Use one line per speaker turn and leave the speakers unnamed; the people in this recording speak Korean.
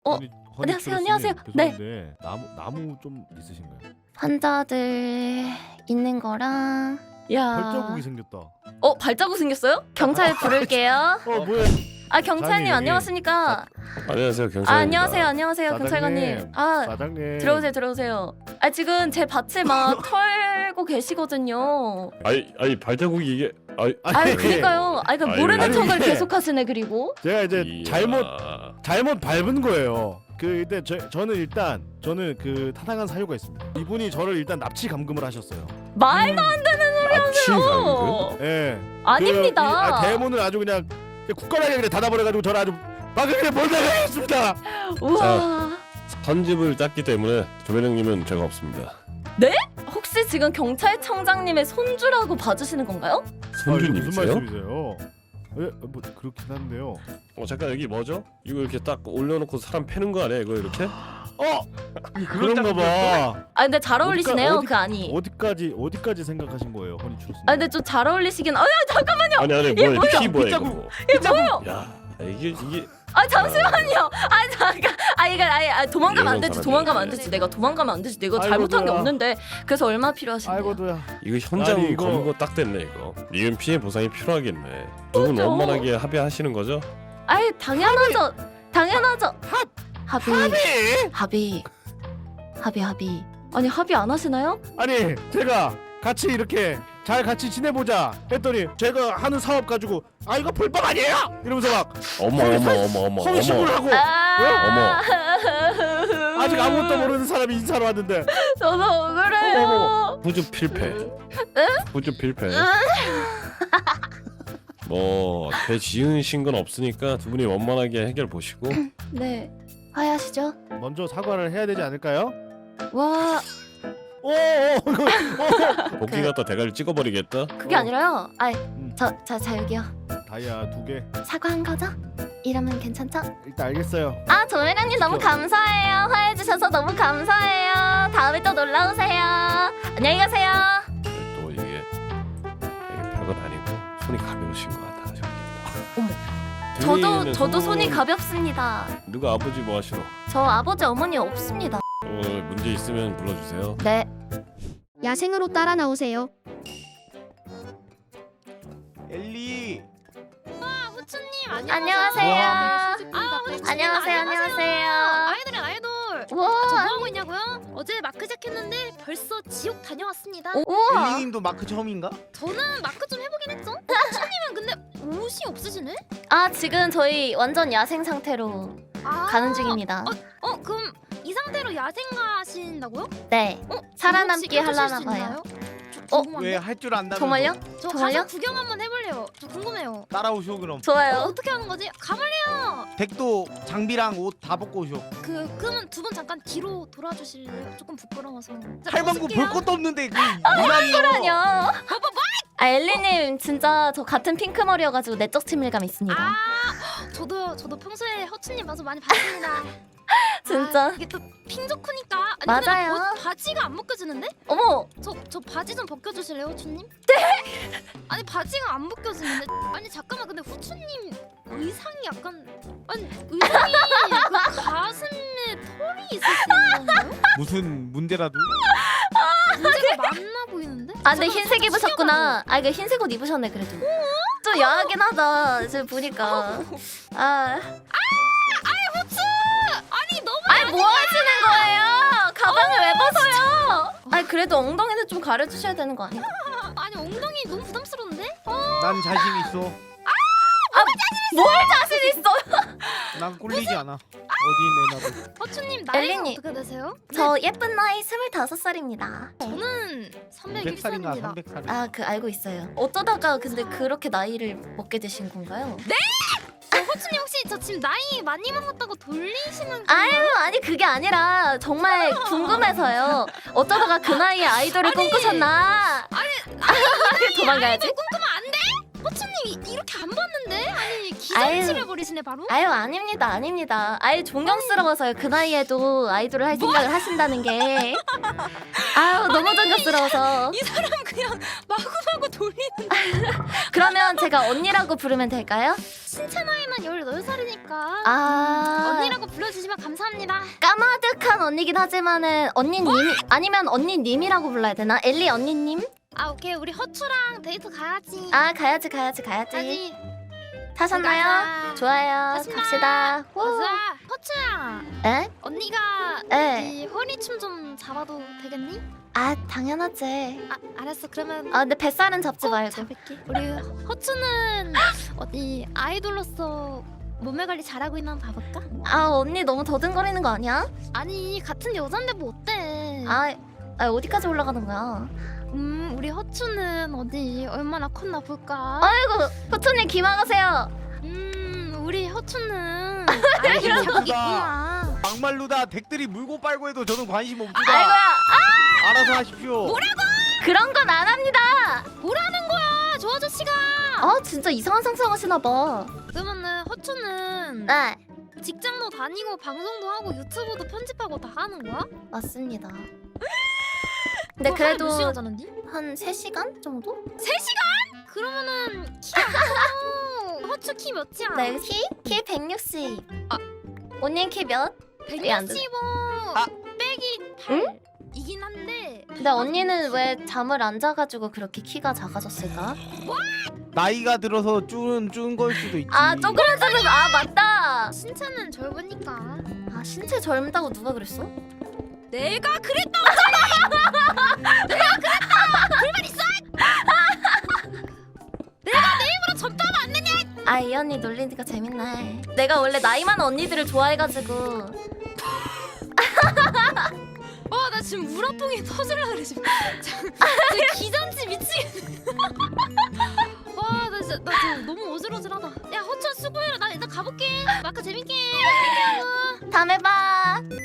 허니
안녕하세요,
트러스님,
안녕하세요. 네.
죄송한데 나무 좀 있으신가요?
환자들 있는 거랑 야.
발자국이 생겼다.
발자국 생겼어요? 경찰 부를게요.
뭐야?
경찰님
사장님,
안녕하십니까?
안녕하세요, 경찰입니다.
안녕하세요, 경찰관님.
사장님.
들어오세요. 지금 제 밭을 막 털고 계시거든요.
아니 발자국이 이게
그러니까요. 그러니까 모르는
아니,
척을
이게-
계속 하시네. 그리고
제가 이제
이야.
잘못 밟은 거예요. 근데 저는 그 타당한 사유가 있습니다. 이분이 저를 일단 납치 감금을 하셨어요.
말도 안 되는
납치 감금?
소리요.
예.
아닙니다.
대문을 아주 그냥 굳건하게 그냥 닫아버려가지고 저를 아주 방금 그냥 몰다가했습니다.
우와.
선집을 짰기 때문에 조배령님은 죄가 없습니다.
혹시 지금 경찰청장님의 손주라고 봐주시는 건가요?
무슨
손주님이세요?
말씀이세요? 뭐 그렇긴 한데요.
잠깐 여기 뭐죠? 이거 이렇게 딱 올려놓고 사람 패는 거 아니야? 이거 이렇게?
그런가 봐.
근데 잘 어울리시네요.
어디-
그 아니.
어디까지 생각하신 거예요, 허니 트러스님?
근데 좀 잘 어울리시긴. 잠깐만요.
아니 뭐야? 피 뭐야 이거?
빗자국.
뭐.
이게 뭐예요?
야 이게
잠시만요. 잠깐. 도망가면 안 되지.
사람이.
도망가면 안 되지. 내가 도망가면 안 되지. 내가
아이고,
잘못한 게
뭐야.
없는데. 그래서 얼마 필요하신데요?
아이고도야.
이거 현장
아니, 이거-
검거 딱 됐네 이거. 이건 피해 보상이 필요하겠네. 두 분
그죠.
원만하게 합의하시는 거죠?
당연하죠. 합의.
합의.
아니 합의 안 하시나요?
아니 제가 같이 이렇게 잘 같이 지내보자 했더니 제가 하는 사업 가지고 이거 불법 아니에요? 이러면서 막
어머
허위신고를 하고 아직 아무것도 모르는 사람이 인사로 왔는데
저도 억울해요.
후주 필패. 후주 필패. 죄 지으신 건 없으니까 두 분이 원만하게 해결 보시고.
네. 화해하시죠.
먼저 사과를 해야 되지 않을까요?
와,
복귀 갖다 대가리 찍어버리겠다.
그게 아니라요.
음,
자 여기요.
다이아 2개
사과한 거죠? 이러면 괜찮죠?
일단 알겠어요.
조혜련님 너무 감사해요. 화해해 주셔서 너무 감사해요. 다음에 또 놀러 오세요. 안녕히 가세요.
또 이게 별건 아니고 손이 가벼우신 것 같아.
어머.
등에는
저도 손이
손목은-
가볍습니다.
누가 아버지 뭐 하시노?
저 아버지 어머니 없습니다.
문제 있으면 불러주세요.
네.
야생으로 따라 나오세요.
엘리.
후추님
안녕하세요.
안녕하세요.
안녕하세요.
아이돌. 저
우와.
뭐하고 있냐고요? 어제 마크 시작했는데 벌써 지옥 다녀왔습니다.
우와.
엘리님도 마크 처음인가?
저는 마크 좀 해보긴 했죠. 후추님은 근데 옷이 없으시네?
지금 저희 완전 야생 상태로 가는 중입니다.
그럼 이 상태로 야생 가신다고요?
네. 살아남기
저 혹시
하려나
껴주실 수
봐요.
있나요? 저
왜
궁금한데?
할 줄 안다면서?
정말요?
저
정말요?
가서 구경 한번 해볼래요. 저 궁금해요.
따라오쇼 그럼.
좋아요.
어떻게 하는 거지? 가볼래요.
백도 장비랑 옷 다 벗고 오쇼.
그러면 두 분 잠깐 뒤로 돌아주실래요? 조금 부끄러워서. 자,
할망구
벗을게요.
볼 것도 없는데 그 유난히요.
아니요. 엘리님 진짜 저 같은 핑크 머리여가지고 내적 친밀감 있습니다.
저도 평소에 허추님 봐서 많이 봤습니다.
진짜.
이게 또 핑조크니까. 아니, 근데
맞아요.
나 바지가 안 벗겨지는데?
어머.
저 바지 좀 벗겨주실래요, 후추님? 네. 아니 바지가 안 벗겨지는데. 아니 잠깐만, 근데 후추님 의상이 약간 의상이 그 가슴에 털이 있으신 건가요?
무슨 문제라도?
문제가 많나 보이는데?
근데 흰색 입으셨구나. 그 흰색 옷 입으셨네 그래도. 좀 야하긴 하다. 지금 보니까.
아니 너무
뭐 하시는 거예요? 가방을 왜 벗어요? 그래도 엉덩이는 좀 가려주셔야 되는 거 아니야?
아니 엉덩이 너무 부담스러운데?
난 자신 있어.
뭘 자신 있어?
난 꿀리지 않아. 어디 내놔도.
허추님 나이가
엘리님.
어떻게 되세요?
저 예쁜 나이 25살입니다.
저는
100살인가
301살입니다.
300살.
알고 있어요. 어쩌다가 근데 그렇게 나이를 먹게 되신 건가요?
허추님 혹시 저 지금 나이 많이 먹었다고 돌리시는
아니 그게 아니라 정말 궁금해서요. 어쩌다가 그 나이에 아이돌을 꿈꾸셨나? 도망가야지.
꿈꾸면 안 돼? 허추님 이렇게 안 봤는데? 아니 기선치를 버리시네 바로.
아유 아닙니다. 아유 존경스러워서요. 그 나이에도 아이돌을 할 생각을 하신다는 게. 아유 너무 존경스러워서.
이 사람 그냥 마구마구 돌리는.
그러면 제가 언니라고 부르면 될까요?
신체 나이만 18살이니까
아
언니라고 불러주시면 감사합니다.
까마득한 언니긴 하지만은 언니님 아니면 언니님이라고 불러야 되나? 엘리 언니님?
아 오케이 우리 허추랑 데이트 가야지.
아 가야지.
가야지.
타셨나요?
가자.
좋아요.
가십니다.
갑시다. 후.
가자. 허추야
에?
언니가
에?
이 허리춤 좀 잡아도 되겠니?
아 당연하지.
아 알았어 그러면
아 근데 뱃살은 잡지
꼭
말고.
잡을게. 우리 허추는 어디 아이돌로서 몸매 관리 잘하고 있나 한번 봐볼까?
아 언니 너무 더듬거리는 거 아니야?
아니 같은 여잔데 뭐 어때?
아 어디까지 올라가는 거야?
우리 허추는 어디 얼마나 컸나 볼까?
아이고 포천님 기망하세요.
우리 허추는
아이고,
아이돌 자국
누가.
있구나.
막말로다 덱들이 물고 빨고 해도 저는 관심 없습니다.
아이고야.
알아서 하십시오.
그런 건 안 합니다.
뭐라는 거야 저 아저씨가?
아 진짜 이상한 상상하시나 봐.
그러면은 허추는
네
직장도 다니고 방송도 하고 유튜브도 편집하고 다 하는 거야?
맞습니다. 근데
그거 하루에 몇
그래도
시간 자는디?
한 3시간 정도?
3시간? 그러면은 키가 커. 허추 키 몇이야?
네 키 160.
아.
언니 키 몇? 이게 안 되네.
165
아.
빼기 8 이긴 한데
근데 언니는 왜 잠을 안 자가지고 그렇게 키가 작아졌을까?
나이가 들어서 준 걸 수도 있지.
아 쪼그라드는 아 맞다.
신체는 젊으니까
아 신체 젊다고 누가 그랬어?
내가 그랬다.
아 이 언니 놀리니까 재밌네. 내가 원래 나이 많은 언니들을 좋아해가지고.
나 지금 우라통이 터질라 그래 지금. 저 기전지 미치겠네. 나 진짜 나 지금 너무 어질어질하다. 야 허천 수고해라. 나 일단 가볼게. 마카 재밌게.
다음에 봐.